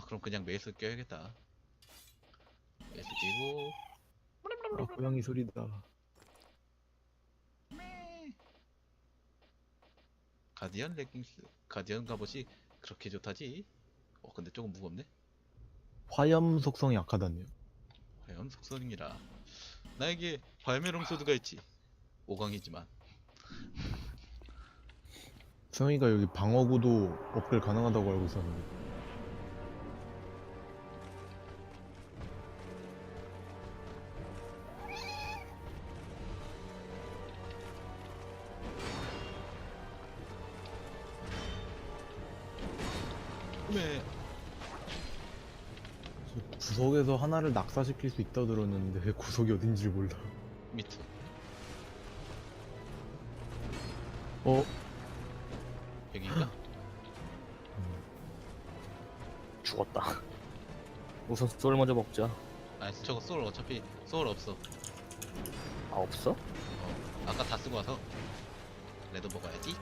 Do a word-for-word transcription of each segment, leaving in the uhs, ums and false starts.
그럼 그냥 메이스 껴야겠다. 메이스 끼고 아, 고양이 소리다. 가디언 레깅스 가디언 갑옷이 그렇게 좋다지? 어 근데 조금 무겁네. 화염 속성이 약하다네요. 과연 속성이라 나에게 발메롱 소드가 있지. 오 강이지만 승희가 여기 방어구도 업글 가능하다고 알고 있었는데. 왜 구석에서 하나를 낙사시킬 수 있다고 들었는데 왜 구석이 어딘지를 몰라. 미트 어? 여기인가? 죽었다. 우선 쏠 먼저 먹자. 아니 저거 소울 어차피 소울 없어. 아 없어? 어 아까 다 쓰고 와서 레드 먹어야지.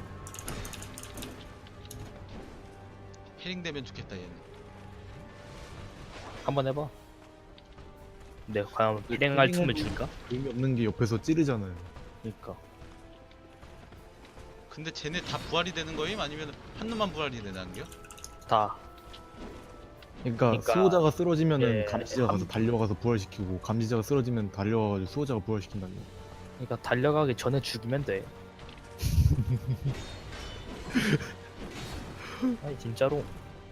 해링 되면 좋겠다 얘는. 한번 해봐. 근데 과연 일행할 틈을 줄까? 의미 없는 게 옆에서 찌르잖아요. 그니까 근데 쟤네 다 부활이 되는 거임? 아니면 한 놈만 부활이 되는겨? 다 그러니까, 그러니까, 수호자가 쓰러지면은 예, 감시자가 가서 한- 달려가서 부활시키고 감시자가 쓰러지면 달려가지고 수호자가 부활시킨다는 거. 그러니까 달려가기 전에 죽이면 돼. 아니 진짜로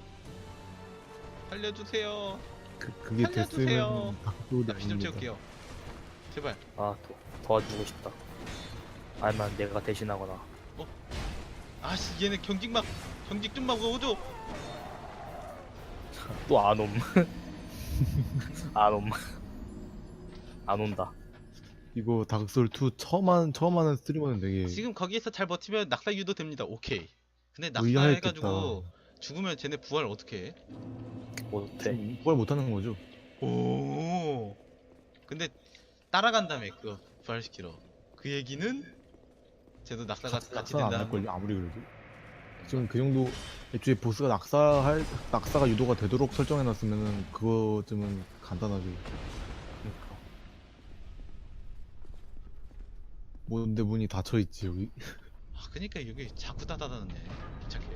살려주세요. 그, 그게 살려주세요. 됐으면 닭도리 나 피 좀 아닙니다. 채울게요. 제발. 아 도, 도와주고 싶다. 아니면 내가 대신하거나. 아씨 얘네 경직막 경직 좀 막아줘. 또 안 옴. 안 옴. 안 온다. 이거 다크소울 투 처음 하는 처음 하는 스트리머는 되게 지금 거기에서 잘 버티면 낙사 유도 됩니다. 오케이. 근데 낙사 의아했겠다. 해가지고 죽으면 쟤네 부활 어떻게 해? 못해. 지금 부활 못하는 거죠. 오. 근데 따라간다며 그거 부활시키러. 그 얘기는 쟤도 낙사가 같이 낙사는 안 된다는 할 걸요 거. 아무리 그래도. 지금 그 정도 애초에 보스가 낙사할 낙사가 유도가 되도록 설정해놨으면은 그거쯤은 간단하죠. 그러니까. 뭔데 문이 닫혀 있지 여기. 아 그니까 여기 자꾸 닫아놨네. 귀찮게.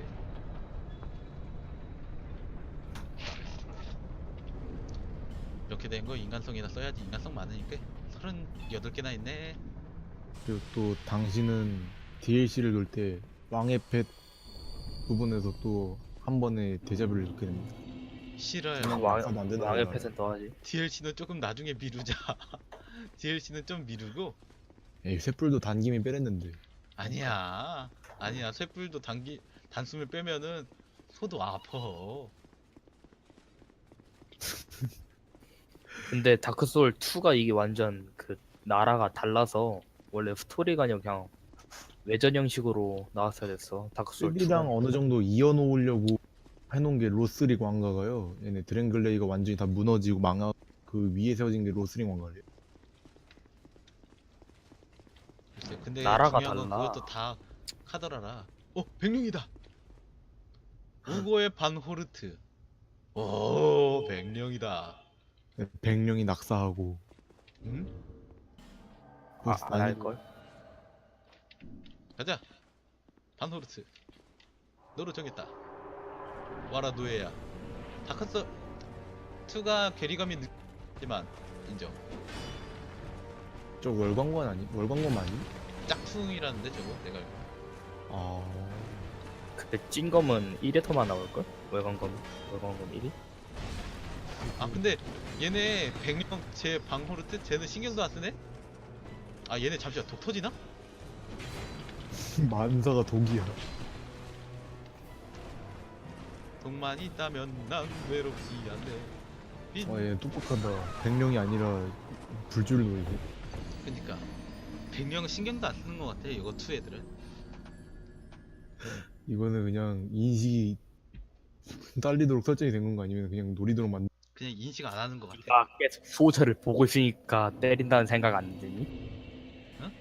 이렇게 된 거 인간성이나 써야지. 인간성 많으니까 서른여덟 개나 있네. 그리고 또 당신은 디엘씨를 놓을 때 왕의 펫 부분에서 또 한 번에 데자뷰를 겪게 됩니다. 싫어요. 그냥 왕, 낙사도 안 된다고 왕의 하더라고요. 패스는 더 하지. 디엘씨는 조금 나중에 미루자. 디엘씨는 좀 미루고. 에이 쇳불도 단김이 빼랬는데. 아니야. 아니야. 쇳불도 단기 단숨을 빼면은 소도 아파. 근데 다크소울 투가 이게 완전 그 나라가 달라서 원래 스토리가 아니라 그냥 외전 형식으로 나왔어야 됐어. 다크소울 쓰리랑 투는. 어느 정도 이어놓으려고 해놓은 게 로스릭 왕가가요. 얘네 드랭글레이가 완전히 다 무너지고 망하 그 위에 세워진 게 로스릭 왕가래요. 글쎄, 근데 나라가 중요한 건 달라. 그것도 다 카더라라. 어, 백룡이다. 우고의 반호르트. 오, 백룡이다. 백령이 낙사하고 응? 아, 보스 안 아니고 할걸? 가자. 반호르트. 너로 정했다. 와라 노예야. 다크스 이가 괴리감이 느끼지만 인정. 저 월광관 아니? 월광관 아니? 짝퉁이라는데 저거 내가 알고. 아 근데 찐검은 일 회터만 나올걸? 월광검 월광검 일 위? 아 근데 얘네 백룡 제 방호르트 쟤는 신경도 안 쓰네? 아 얘네 잠시만 독 터지나? 만사가 독이야. 독만 있다면 난 외롭지 않네. 빈. 와얘 똑똑하다. 백령이 아니라 불줄 노이고. 그니까 백령은 신경도 안 쓰는 것 같아 이거 투 애들은. 이거는 그냥 인식이 딸리도록 설정이 된 건가 아니면 그냥 노리도록 만. 그냥 인식 안 하는 것 같아. 네가 계속 소저를 보고 있으니까 때린다는 생각 안 드니? 응?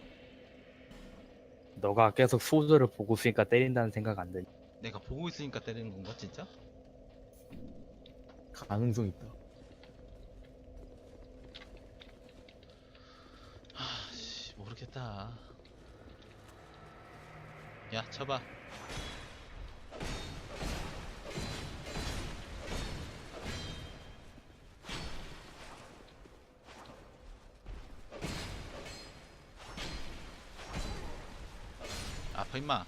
너가 계속 소저를 보고 있으니까 때린다는 생각 안 드니? 내가 보고 있으니까 때리는 건가 진짜? 가능성 있다. 아씨 모르겠다. 야 쳐봐. 아파 임마.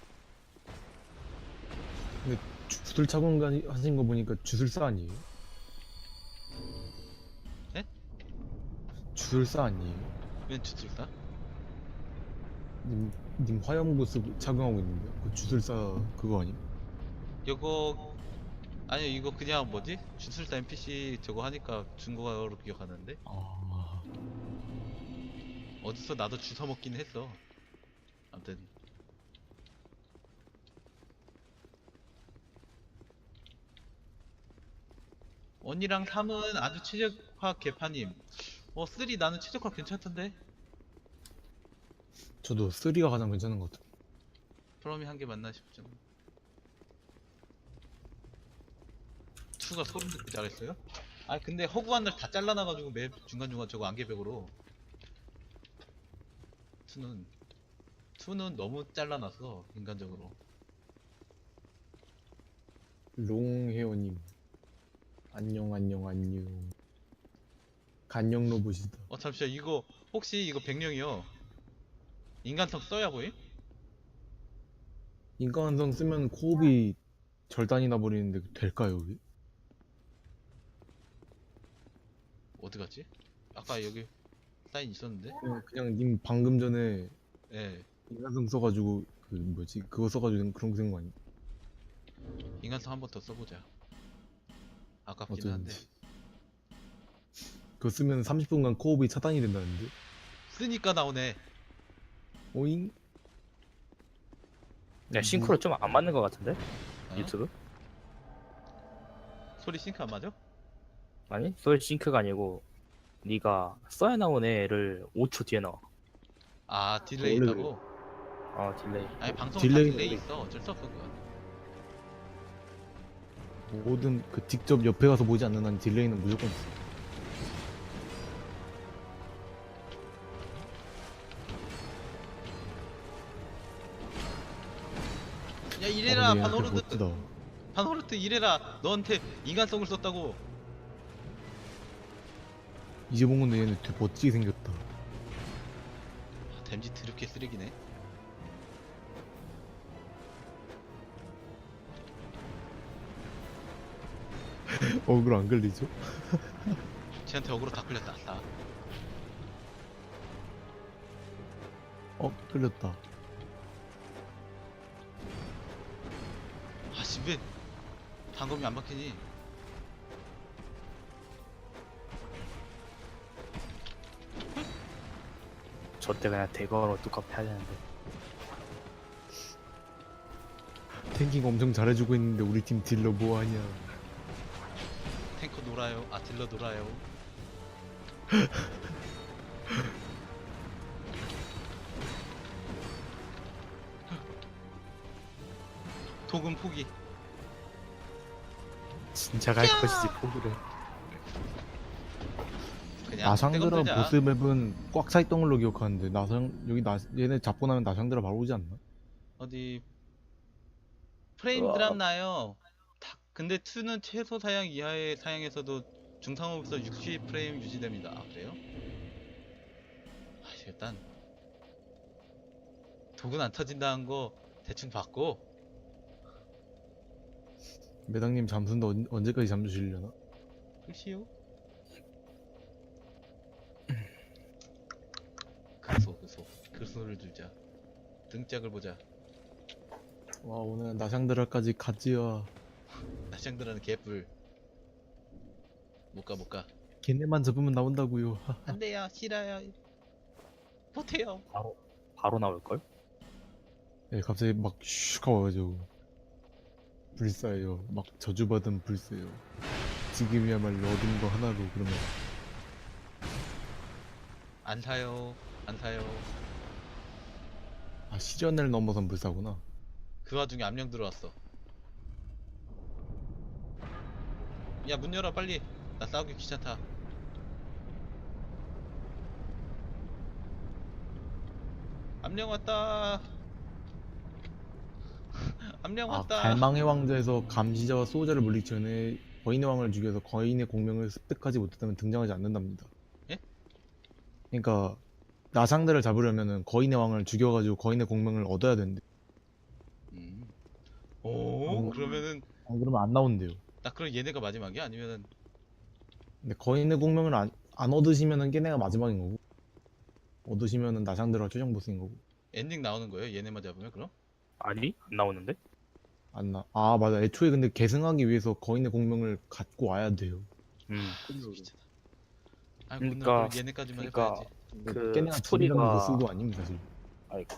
주술 차고 가- 하신 거 보니까 주술사 아니에요? 네? 주술사 아니에요? 웬 주술사? 님, 님 화염구 쓰고 착용하고 있는데 그 주술사 그거 아니? 이거 아니요 이거 그냥 뭐지? 주술사 엔피씨 저거 하니까 준 거로 기억하는데 아, 어디서 나도 주워 먹긴 했어. 아무튼 원이랑 삼은 아주 최적화 개파님. 어 쓰리 나는 최적화 괜찮던데. 저도 쓰리가 가장 괜찮은 것 같아요. 프롬이 한 개 맞나 싶죠. 투가 소름 돋게 잘했어요? 아 근데 허구한 날 다 잘라놔가지고 매 중간중간 저거 안개벽으로. 투는 투는 너무 잘라놨어 인간적으로. 롱헤어님 안녕 안녕 안녕. 간영 로봇이다. 어 잠시만 이거 혹시 이거 백령이요? 인간성 써야 보임? 인간성 쓰면 코업이 절단이 나버리는데 될까요 여기? 어디 갔지? 아까 여기 사인 있었는데? 그냥, 그냥 님 방금 전에 예 인간성 써가지고 그 뭐지 그거 써가지고 그런 거 쓴 거 아니? 인간성 한 번 더 써보자. 아깝긴 한데 어쩌는지. 그거 쓰면 삼십 분간 코업이 차단이 된다는데? 쓰니까 나오네. 오잉? 야 싱크로 좀 안 맞는 것 같은데? 어? 유튜브? 소리 싱크 안 맞아? 아니 소리 싱크가 아니고 네가 써야 나온 애를 오 초 뒤에 나와. 아 딜레이 원래 있다고? 어 딜레이. 아니 방송 딜레이- 다 딜레이 있어. 어쩔 수 없어 그건. 모든 그 직접 옆에 가서 보지 않는 한 딜레이는 무조건 있어. 야 이래라 어, 근데 얘한테 반호르트 멋지다. 반호르트 이래라 너한테 인간성을 썼다고. 이제 본 건데 얘는 되게 멋지게 생겼다. 아, 댐지 드럽게 쓰레기네. 어그로 안 걸리죠? 쟤한테 어그로 다 끌렸다. 다. 어 끌렸다. 아씨 왜 단검이 안 박히니? 저때 그냥 대거로 뚜껑 패야 되는데. 탱킹 엄청 잘해주고 있는데 우리 팀 딜러 뭐하냐. 탱커 놀아요. 아 딜러 놀아요. 도금 포기. 진짜 갈 것이지 포기를. 그냥 나상드라 떼건들자. 보스 맵은 꽉 차있던 걸로 기억하는데 나상 여기 나 얘네 잡고 나면 나상드라 바로 오지 않나? 어디 프레임 으아. 드랍 나요. 다- 근데 이는 최소 사양 이하의 사양에서도 중상업에서 육십 프레임 유지됩니다. 아, 그래요? 아, 일단 독은 안 터진다는 거 대충 봤고. 매당님 잠수인데 언, 언제까지 잠수시려나? 글쎄요. 그소 그소 그소를 들자. 등짝을 보자. 와 오늘 나상드라까지 갔지야. 나샹드라는 개뿔. 못가 못가. 걔네만 잡으면 나온다고요. 안돼요 싫어요. 못해요. 바로 바로 나올 걸? 예, 갑자기 막 슉 하고 와가지고 불사예요. 막 저주받은 불사예요. 지금이야말로 얻은 거 하나로 그러면 안 사요 안 사요. 아 시련을 넘어선 불사구나. 그 와중에 암령 들어왔어. 야 문 열어 빨리. 나 싸우기 귀찮다. 암령 왔다. 암령 아, 왔다. 갈망의 왕자에서 감시자와 수호자를 물리기 전에 거인의 왕을 죽여서 거인의 공명을 습득하지 못했다면 등장하지 않는답니다. 예? 그러니까 나상대를 잡으려면은 거인의 왕을 죽여가지고 거인의 공명을 얻어야 된대. 음. 오 어. 그러면은 안 그러면 안 나온대요. 나 그럼 얘네가 마지막이야? 아니면은 근데 거인의 공명을 안, 안 얻으시면은 걔네가 마지막인 거고, 얻으시면은 나상대가 최종 보스인 거고. 엔딩 나오는 거예요? 얘네만 잡으면 그럼? 아니 안 나오는데? 안 나. 아, 맞아. 애초에 근데 계승하기 위해서 거인의 공명을 갖고 와야 돼요. 음. 귀찮아. 아 그러니까- 오늘 얘네까지만 그러니까 해봐야지. 그 걔네가 스토리가- 진정한 보스도 아닙니다, 사실. 아이고.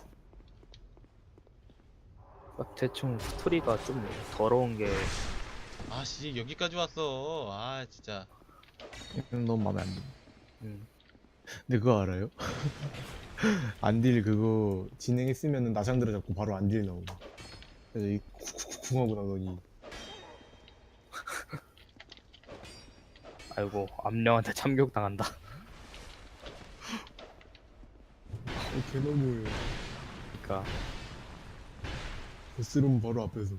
막 대충 스토리가 좀 더러운 게 아씨 여기까지 왔어. 아 진짜. 걔는 너무 마음에 안 들. 음. 근데 그거 알아요? 안딜 그거 진행했으면은 나상대를 잡고 바로 안딜 나오고. 그래서 이 쿵쿵쿵 하고 나더니 아이고 암령한테 참격 당한다. 어, 개너무해요. 그러니까 보스룸 바로 앞에서.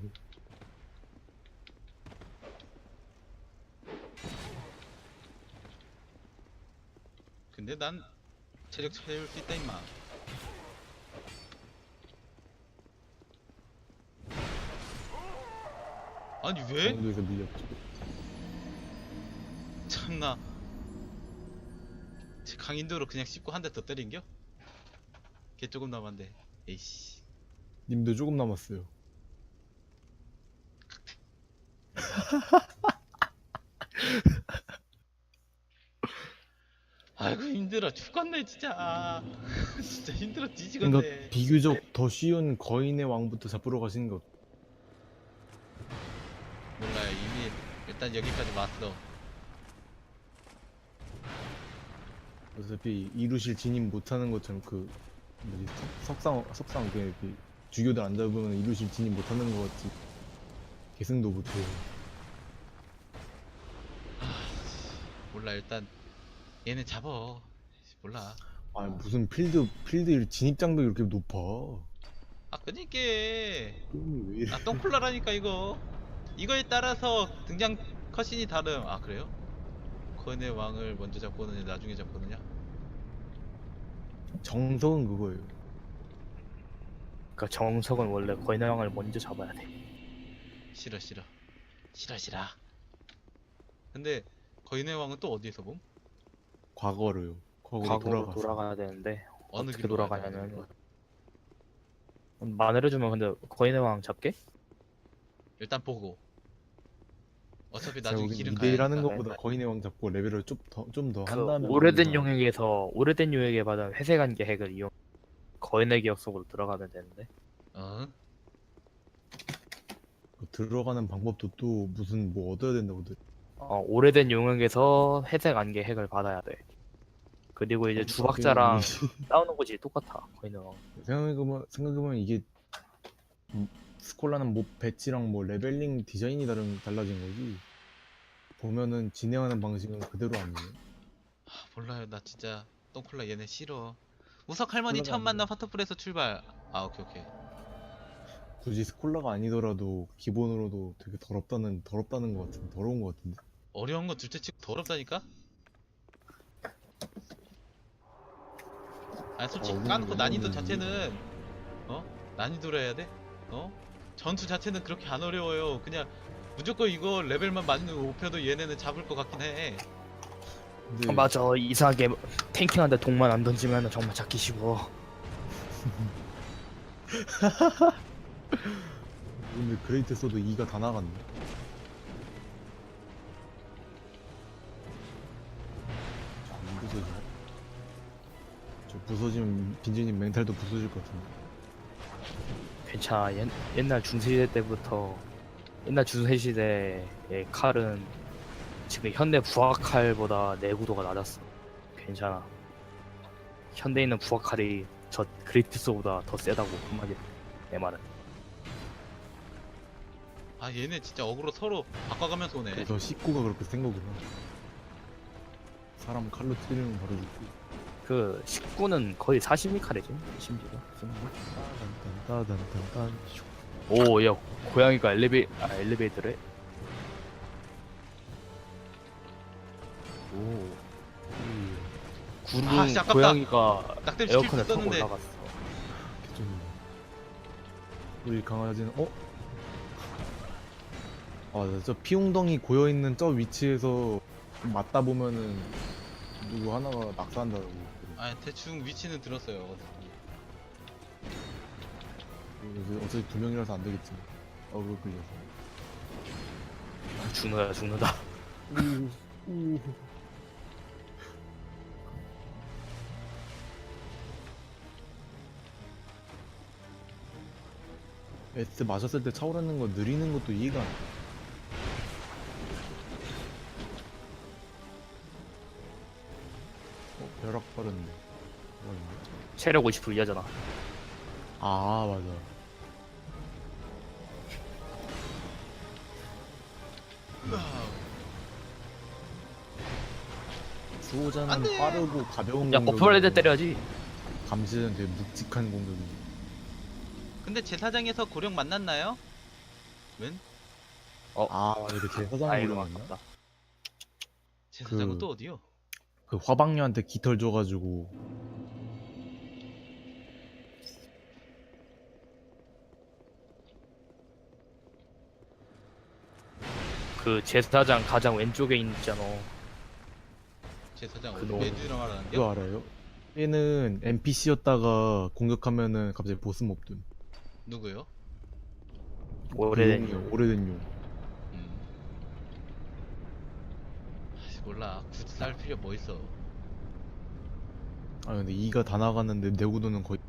근데 난 체력 채울 수 있다 임마. 아니 왜? 강도에서 밀렸죠. 참나. 제 강인도로 그냥 씹고 한 대 더 때린겨? 걔 조금 남았는데. 에이씨. 님도 조금 남았어요. 아이고 힘들어 죽겠네 진짜. 아, 진짜 힘들어 그러니까 뒤지겠네. 비교적 더 쉬운 거인의 왕부터 잡으러 가시는 게 어때요? 몰라요 이미 일단 여기까지 왔어. 어차피 이루실 진입 못하는 것처럼 그 뭐지 석- 석상 석상 그 이렇게 주교들 안 잡으면 이루실 진입 못하는 것 같지. 계승도 못해요. 몰라 일단 얘네 잡어. 몰라. 아 무슨 필드 필드 진입 장벽이 이렇게 높아. 아 그니까 게임이 왜 이래? 아 똥콜라라니까 이거. 이거에 따라서 등장 컷신이 다름. 아 그래요? 거인의 왕을 먼저 잡고 오느냐 나중에 잡고 오느냐? 정석은 그거예요. 그러니까 정석은 원래 거인의 왕을 먼저 잡아야 돼. 싫어 싫어 싫어 싫어. 근데 거인의 왕은 또 어디에서 봄? 과거로요. 과거로 과거로 돌아가서. 돌아가야 되는데 어느 어떻게 길로 가야 돼? 돌아가냐면 만회해주면 근데 거인의 왕 잡게? 일단 보고. 어차피 제가 나중에 보기엔 길은 이 대 일 하는 가야 것보다 거인의 왕 잡고 레벨을 좀 더 좀 더 그 한 다음에 오래된 만드는 거. 용액에서 오래된 용액에 받은 회색안개 핵을 이용 거인의 기억 속으로 들어가면 되는데 어? 그 들어가는 방법도 또 무슨 뭐 얻어야 된다고 들. 어, 오래된 용액에서 회색안개 핵을 받아야 돼. 그리고 이제 주박자랑 싸우는 곳이 똑같아 거인의 왕. 생각해보면 생각해보면 이게 음, 스콜라는 뭐 배치랑 뭐 레벨링 디자인이 다른 달라진 거지. 보면은 진행하는 방식은 그대로 아니에요. 아, 몰라요 나 진짜 똥콜라 얘네 싫어. 우석 할머니 콜라가 처음 아니라. 만나 파터풀에서 출발. 아 오케이 오케이. 굳이 스콜라가 아니더라도 기본으로도 되게 더럽다는 더럽다는 것 같은 더러운 것 같은데. 어려운 거 둘째 치고 더럽다니까? 아 솔직히 어, 까놓고 이거는 난이도 이거는 자체는 어? 난이도로 해야 돼? 어? 전투 자체는 그렇게 안 어려워요. 그냥 무조건 이거 레벨만 맞는 오펴도 얘네는 잡을 것 같긴 해. 근데 어, 맞아 이상하게 탱킹한데 독만 안 던지면 정말 잡기 쉬워. 근데 그레이트 써도 이가 다 나갔네. 안 부서지네. 저 부서지면 빈지님 멘탈도 부서질 것 같은데. 괜찮아 옛, 옛날 중세시대 때부터 옛날 중세시대의 칼은 지금 현대 부하칼보다 내구도가 낮았어. 괜찮아. 현대에 있는 부하칼이 저 그리트스보다 더 세다고 한마디 내 말은. 아 얘네 진짜 어그로 서로 바꿔가면서 오네. 그래서 식구가 그렇게 센 거구나. 사람 칼로 찌르면 바로 죽고. 그 십구는 거의 사십이 칼이지 심지어 쓰는 거. 따단단단단. 오, 야, 고양이가 엘리베 아 엘리베이터래. 오, 구름 아, 씨, 아깝다. 고양이가 낙뎀 시킬 수 에어컨을 타고 있었는데. 올라갔어. 개쩐네. 우리 강아지는 어? 아, 저 피웅덩이 고여 있는 저 위치에서 맞다 보면은 누구 하나가 낙사한다고. 아 대충 위치는 들었어요. 그래서 어차피 두 명이라서 안 되겠지. 어그 끌려서. 죽는다 죽는다. 우, 우. S 마셨을 때 차오르는 거 느리는 것도 이해가 안 돼. 어, 벼락 빠른데. 뭐였는데? 체력 오십 퍼센트 이하잖아. 아, 맞아. 수호자는 안 돼! 빠르고 가벼운 야, 공격이 버퍼레드 때려야지. 감시자는 되게 묵직한 공격이. 근데 제사장에서 고령 만났나요? 웬? 아, 이렇게 제사장 아이고 고령이었나? 아깝다. 제사장은 그- 또 어디요? 그 화방녀한테 깃털 줘가지고 그 제사장 가장 왼쪽에 있잖아. 제사장 그 어디 놈. 매드랑 하라는 게? 그거 알아요? 얘는 엔피씨였다가 공격하면은 갑자기 보스 몹 됨. 누구요? 오래된 그 용이요, 오래된 용. 음. 아씨 몰라. 굳이 쌀 필요 뭐 있어? 아 근데 이가 다 나갔는데 내구도는 거의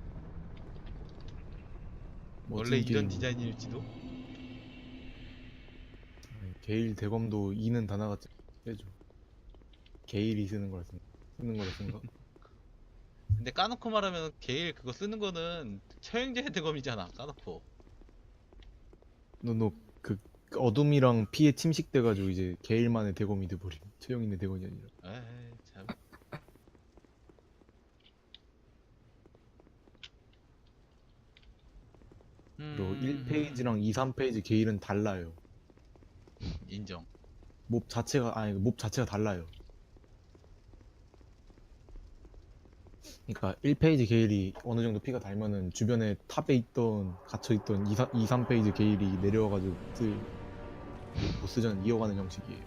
원래 멋진 이런 게임. 디자인일지도? 아니, 게일 대검도 이는 다 나갔지. 빼줘. 게일이 쓰는 거라 쓴 쓰는 거라 쓴가? 근데 까놓고 말하면 게일 그거 쓰는 거는 처형제 대검이잖아. 까놓고. 너너그 어둠이랑 피에 침식돼가지고 이제 게일만의 대검이 돼버림. 최영인의 대검이 아니라. 에이 참. 그리고 음, 일 페이지랑 이, 삼 페이지 게일은 달라요. 인정. 몹 자체가 아니 몹 자체가 달라요. 그러니까 일 페이지 게일이 어느 정도 피가 달면은 주변에 탑에 있던 갇혀 있던 이, 삼 페이지 게일이 내려와가지고 쓸 보스전 이어가는 형식이에요.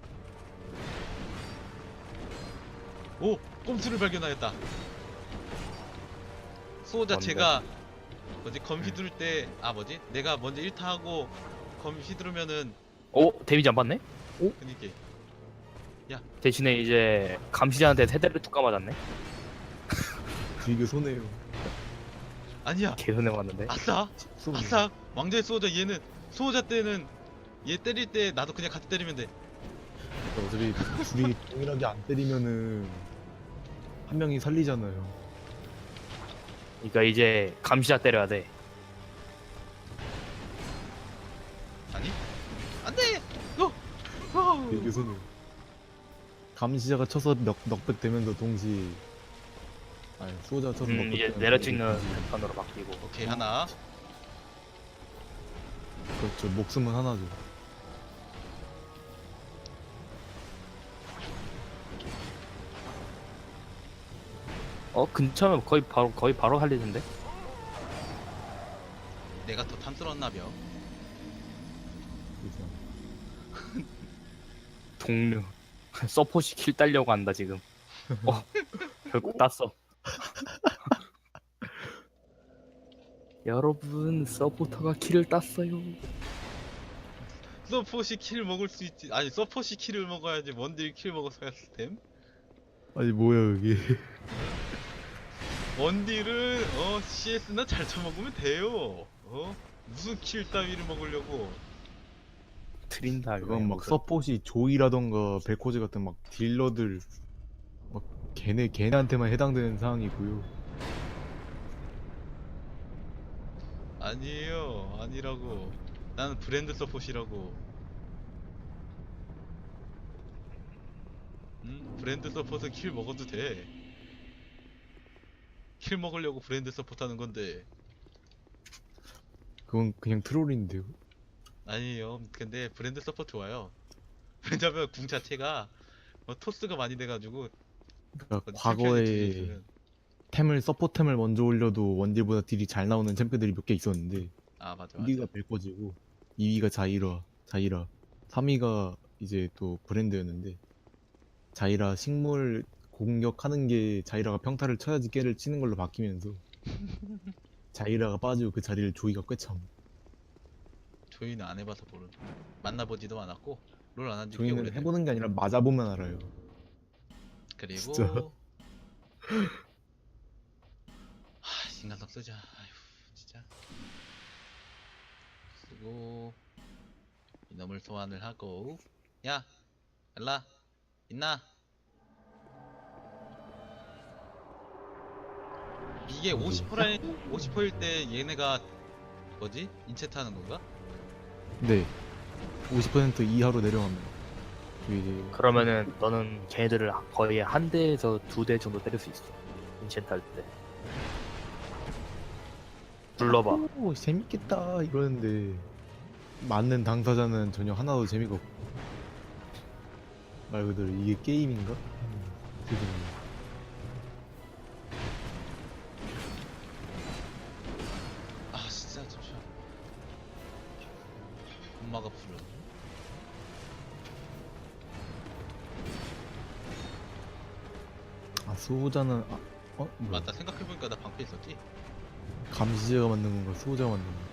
오! 꼼수를 발견하였다. 수호자 뭔데? 제가 뭐지 검 휘두를 때 아 뭐지 내가 먼저 일 타하고 검 휘두르면은 오, 데미지 안 받네? 그니까 대신에 이제 감시자한테 세대를 툭 감아졌네. 되게 손해요. 아니야 개선해 왔는데. 아싸 손해. 아싸 왕자의 수호자 얘는 수호자 때는 얘 때릴 때 나도 그냥 같이 때리면 돼. 그러니까 어차피 둘이 동일하게 안 때리면은 한 명이 살리잖아요. 그러니까 이제 감시자 때려야 돼. 아니 안돼. 어! 어! 되게 손해. 감시자가 쳐서 넉, 넉백 되면서 동시에 아니 수호자가 쳐서 음, 넉백 이제 되면서 내려 동시에 찍는 패턴으로 바뀌고. 오케이 하나. 그렇죠. 목숨은 하나죠. 어, 근처면 거의 바로 거의 바로 살리는데. 내가 더 탐스러웠나벼. 그래서 동료. 서포시 킬 따려고 한다 지금. 어, 결국 땄어. 여러분, 서포터가 킬을 땄어요. 서포시 킬 먹을 수 있지. 아니 서포시 킬을 먹어야지 원딜 킬 먹어서야 됨. 아니 뭐야 이게. 원딜은 어 씨에스나 잘 쳐먹으면 돼요. 어 무슨 킬 따위를 먹으려고. 트린다. 그건 막 서폿이 조이라던가 벨코즈 같은 막 딜러들 막 걔네 걔네한테만 해당되는 상황이고요. 아니에요 아니라고. 나는 브랜드 서폿이라고. 음? 브랜드 서폿은 킬 먹어도 돼. 킬 먹으려고 브랜드 서폿 하는 건데. 그건 그냥 트롤인데요. 아니에요. 근데 브랜드 서폿 좋아요. 왜냐면 궁 자체가 어, 토스가 많이 돼가지고 그러니까 어, 챔피언이 뒤에 과거에 있으면. 템을 서포템을 먼저 올려도 원딜보다 딜이 잘 나오는 챔프들이 몇 개 있었는데 아 맞아 일 위가 맞아. 벨거지고 이 위가 자이라 자이라 삼 위가 이제 또 브랜드였는데 자이라 식물 공격하는 게 자이라가 평타를 쳐야지 깨를 치는 걸로 바뀌면서 자이라가 빠지고 그 자리를 조이가 꿰참. 조이는 안 해봐서 모르. 만나보지도 않았고 롤 안 한 지 꽤 조이는 오래돼. 해보는 게 아니라 맞아보면 알아요. 그리고 진짜? 하 인간성 쓰자. 아휴 진짜. 쓰고 이놈을 소환을 하고. 야 엘라 있나? 이게 어디? 오십 퍼센트 오십 퍼센트일 때 얘네가 뭐지? 인체트 하는 건가? 네. 오십 퍼센트 이하로 내려가면 조이 그러면은 너는 걔네들을 거의 한 대에서 두 대 정도 때릴 수 있어. 인챈트 할 때. 불러봐. 오 재밌겠다 이러는데 맞는 당사자는 전혀 하나도 재미가 없고 말 그대로 이게 게임인가? 음, 죄송해요. 아 진짜 잠시만. 엄마가 불러. 아 수호자는 아, 어? 뭐야 맞다 생각해보니까 나 방패 있었지? 감시자가 만든 건가 수호자가 만든 건가?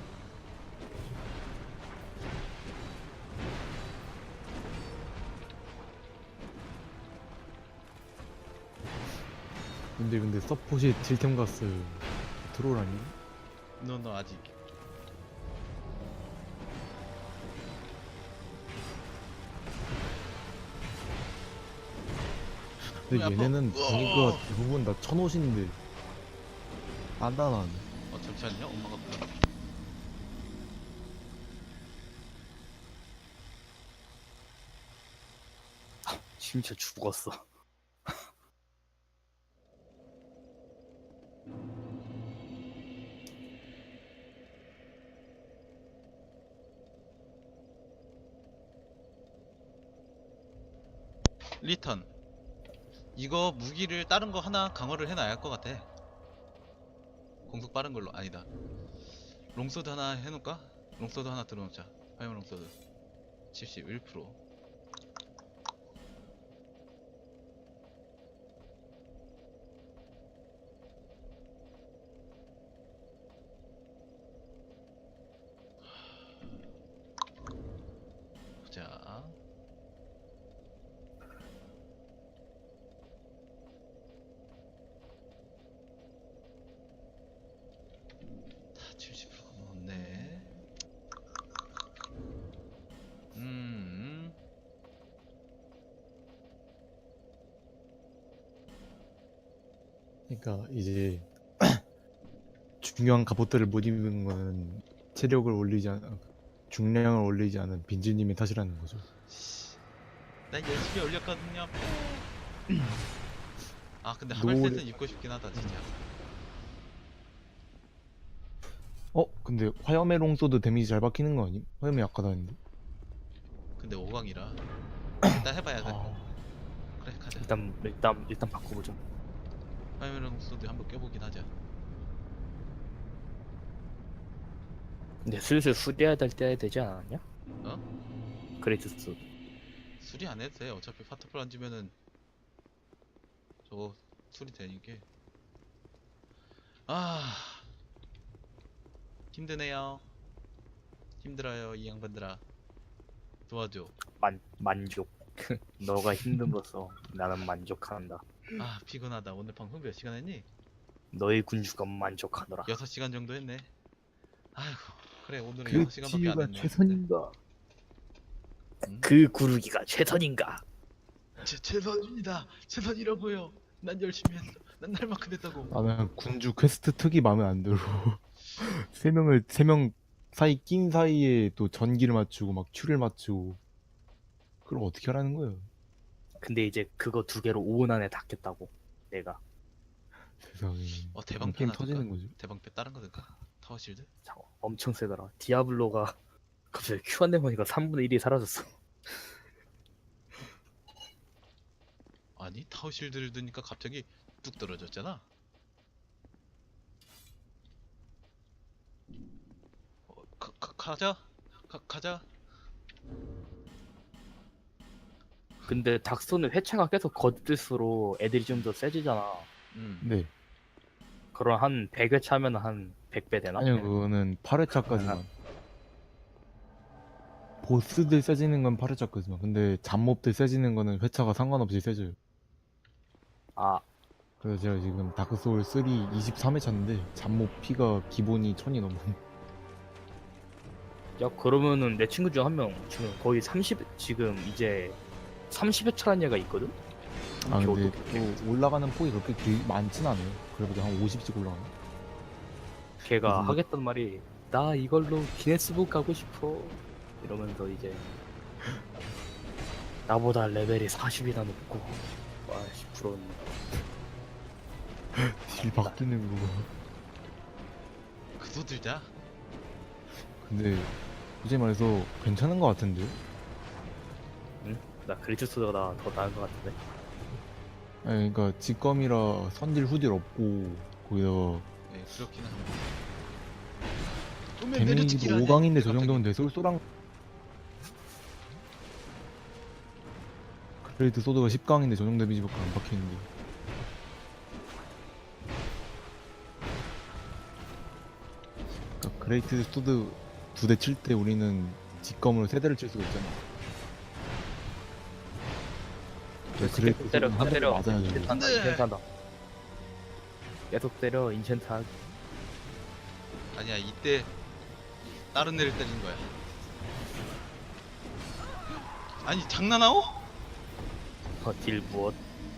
근데 근데 서폿이 딜템 갔어요. 트롤 아니? 너 너 아직 근데 왜 아파? 얘네는 우와. 보니까 대부분 다 천옷인데 단단하네. 어 잠시만요 엄마가 불러. 진짜 죽었어. 리턴 이거 무기를 다른 거 하나 강화를 해놔야 할 것 같아. 공속 빠른 걸로 아니다. 롱소드 하나 해놓을까? 롱소드 하나 들어놓자. 화염 롱소드 칠십일 퍼센트. 보자. 다 칠십 퍼센트 넘었네. 음. 그러니까 이제 중요한 갑옷들을 못 입는 거는 체력을 올리지 않 중량을 올리지 않은 빈지님의 탓이라는 거죠. 난 열심히 올렸거든요. 아 근데 노래- 하멜셋은 입고 싶긴 하다 진짜. 어? 근데 화염의 롱소드 데미지 잘 박히는 거 아님? 화염이 약하다는데. 근데 오 강이라 일단 해봐야 돼. 아, 그래 가자. 일단 일단 일단 바꿔보자. 화면이랑 소드 한번 껴보긴 하자. 근데 슬슬 수리해야 될 때야 되지 않았냐? 어? 그레이트스. 수리 안 해도 돼. 어차피 파트풀 안 주면은 저거 수리 되니까. 아 힘드네요. 힘들어요 이 양반들아. 도와줘. 만 만족. 너가 힘듦으로써 나는 만족한다. 아 피곤하다. 오늘 방송 몇 시간 했니? 너의 군주가 만족하노라. 여섯 시간 정도 했네. 아이고 그래 오늘은 여섯 그 시간밖에 안 치유가 했네. 최선인가? 음? 그 구르기가 최선인가? 제, 최선입니다. 최선이라고요. 난 열심히 했어. 난 날만큼 했다고. 나는 군주 퀘스트 특이 마음에 안 들어. 세 명을 세 명 사이 낀 사이에 또 전기를 맞추고 막 큐를 맞추고 그걸 어떻게 하라는 거예요? 근데 이제 그거 두 개로 오 분 안에 닫겠다고 내가. 세상에. 어 그럼 대방패 게임 하나 들까? 터지는 거죠. 대방패 다른 거 들까? 타워 실드? 자, 엄청 세더라. 디아블로가 갑자기 큐 안 내보니까 삼분의 일이 사라졌어. 아니 타워 실드를 드니까 갑자기 뚝 떨어졌잖아. 어, 가, 가, 가자. 가, 가자. 근데 닥스는 회차가 계속 거듭될수록 애들이 좀 더 세지잖아. 음. 네. 그럼 한 백 회차 하면 한 백 배 되나? 아니요, 그거는 팔 회차까지만. 보스들 세지는 건 팔 회차까지만. 근데 잡몹들 세지는 거는 회차가 상관없이 세져요. 아, 그래서 제가 지금 다크소울 삼 이십삼 회차인데 잡몹 피가 기본이 천이 넘어. 야 그러면은 내 친구 중 한 명 지금 거의 삼십 지금 이제 삼십 회차라는 얘가 있거든? 아 걔 근데 어떡해. 또 올라가는 폭이 그렇게 길, 많진 않아요. 그래도 한 오십씩 올라가네. 걔가 무슨- 하겠단 말이 나 이걸로 기네스북 가고 싶어 이러면서 이제 나보다 레벨이 사십이나 높고 와씨 부러웠네. 딜 바뀌는 거. 그도 들자. 근데 솔직히 말해서 괜찮은 거 같은데? 응? 나 그리투스가 더 나은 것 같은데. 아니 그러니까 직검이라 선딜 후딜 없고 거기다가 네 그렇기는 합니다. 그러면 데미지도 내려치기를 하네. 오 강인데 저 갑자기. 정도면 돼. 쏠쏠한 그레이트 소드가 십 강인데 저 정도 데미지밖에 안 박히는데. 그러니까 그레이트 소드 두 대 칠 때 우리는 직검으로 세 대를 칠 수가 있잖아. 그래서 그레이트 계속 때려 소드는 한 대를 때려 맞아야 돼. 인챈트 한다 네. 인챈트 한다. 계속 때려 인챈트 하기. 아니야 이때 다른 애를 때리는 거야. 아니 장난하오? 어, 딜 무엇?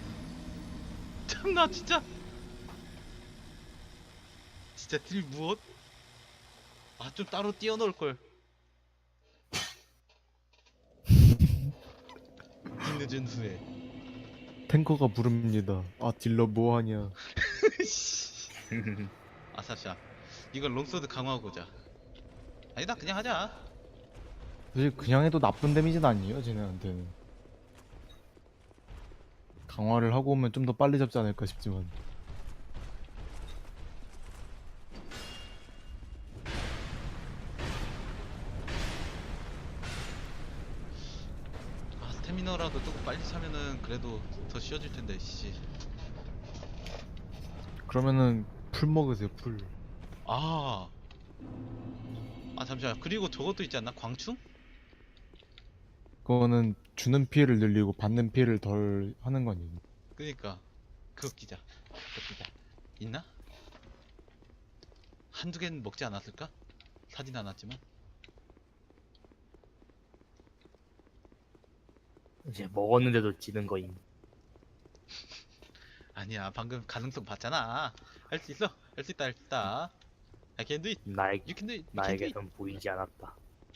참나 진짜. 진짜 딜 무엇? 아 좀 따로 띄워놓을 걸. 뒤늦은 후에. 탱커가 부릅니다. 아 딜러 뭐하냐. 아사샤 이걸 롱소드 강화하고자. 아니다 그냥 하자. 사실 그냥 해도 나쁜 데미지는 아니에요 쟤네한테는. 강화를 하고 오면 좀 더 빨리 잡지 않을까 싶지만. 아 스태미너라도 조금 빨리 차면은 그래도 더 쉬워질 텐데 씨. 그러면은 풀 먹으세요 풀. 아. 아 잠시만 그리고 저것도 있지 않나? 광충? 그거는 주는 피해를 늘리고 받는 피해를 덜 하는 거 아니에요? 그니까 그거 끼자. 그거 끼자. 있나? 한두 개는 먹지 않았을까? 사진 않았지만. 이제 먹었는데도 지는 거임. 아니야 방금 가능성 봤잖아. 할 수 있어. 할 수 있다 할 수 있다. I can do it. 나에 You can do it. You can do it. 나에게는 보이지 않았다.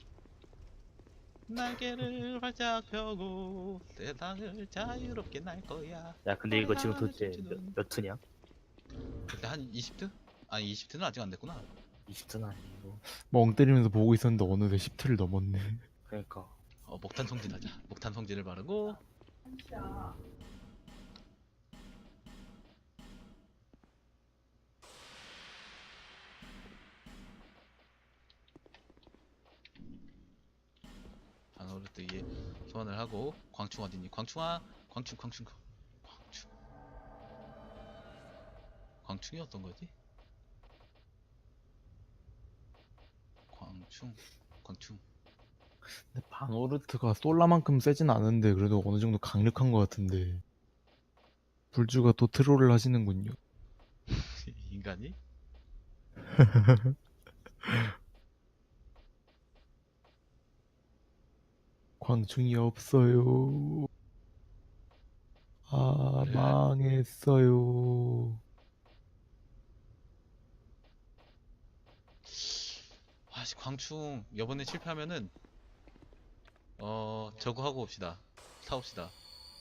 날개를 활짝 펴고 세상을 자유롭게 날 거야. 야 근데 이거 지금 하늘 도대체 춤추는- 몇, 몇 트냐? 그때 한 이십 트? 아니 이십 트는 아직 안 됐구나. 이십 트는 아니고. 멍 때리면서 보고 있었는데 어느새 십 트를 넘었네. 그러니까 어 목탄 성진하자. 목탄 성진을 바르고. 반어르트 위에 소환을 하고. 광충 어딨니? 광충아 광충 광충 광충 광충이 어떤 거지? 광충 광충 근데 바노르트가 솔라만큼 세진 않은데 그래도 어느 정도 강력한 것 같은데 불주가 또 트롤을 하시는군요. 인간이? 광충이 없어요. 아 그래? 망했어요. 아 아씨 광충 이번에 실패하면은 어 저거 하고 옵시다. 사옵시다.